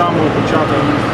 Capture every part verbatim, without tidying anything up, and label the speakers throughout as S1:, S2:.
S1: самого початку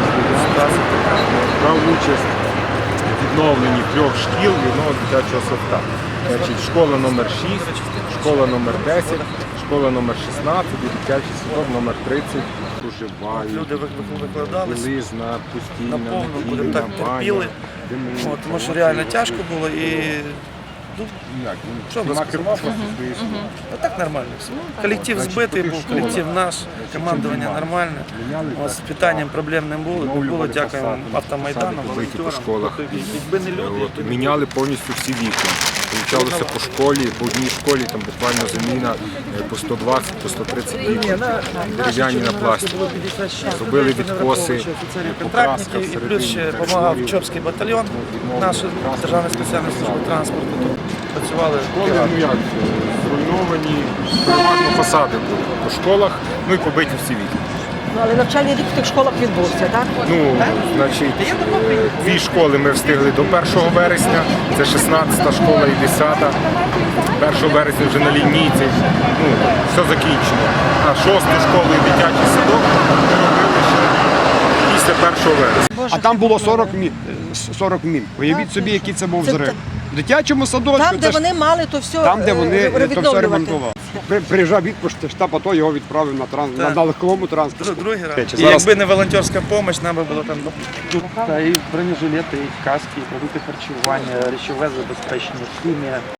S1: брав участь у відновленні трьох шкіл і одного дитячого садка. Значить, школа номер шість, школа номер десять, школа номер шістнадцять і дитячий садок номер тридцять. Проживають,
S2: люди викладались
S1: білизна, постійна,
S2: наповну,
S1: надійна,
S2: будемо так
S1: баня,
S2: терпіли,
S1: димить.
S2: От, тому що реально тяжко було і ну,
S1: Як?
S2: Що ви
S1: Нема
S2: сказали?
S1: керма просто свої слова.
S2: а так нормально все. Колектив збитий був, колектив наш, командування нормальне. От, з питанням проблем не було, не було, дякуємо автомайдану,
S1: Вийти по
S2: волонтерам.
S1: школах.
S2: Якби не люди,
S1: От, міняли повністю всі вікна. Получалося по школі, по одній школі там буквально заміна е, по сто двадцять, по сто тридцять вікон, дерев'яні на пластик. Зробили відкоси, покраска
S2: контрактники, і плюс ще допомагав Чопський батальйон, наша Державна спеціальна служба транспорту. Тут працювали
S1: Школи, ну як, зруйновані, переважно фасади були по школах, ну і побиті всі вікна.
S3: Ну, але навчальний рік в тих школах відбувся, так?
S1: Ну, значить, е, дві школи ми встигли до першого вересня, це шістнадцята школа і десята. першого вересня вже на лінійці, ну, все закінчено. А шосту школу і дитячий садок ми робили ще після першого вересня.
S4: А там було сорок мін. сорок мін. Уявіть собі, який це був
S3: Це
S4: взрив.
S3: те-
S4: В дитячому садочку,
S3: Там, де
S4: це ж-
S3: вони мали то все
S4: там, де вони
S3: е,
S4: то все
S3: відновлювати.
S4: ремонтували. При- Приїжджав відпуск штаб, а то його відправив на, транс... на,
S2: Так.
S4: на легковому транспорті.
S2: Дру- другий раз.
S4: Речі,
S2: І
S4: зараз-
S2: якби не волонтерська допомога, нам би було там ну,
S5: Тут та, і бронежилети, і каски, і продукти харчування, речове забезпечення, хімія.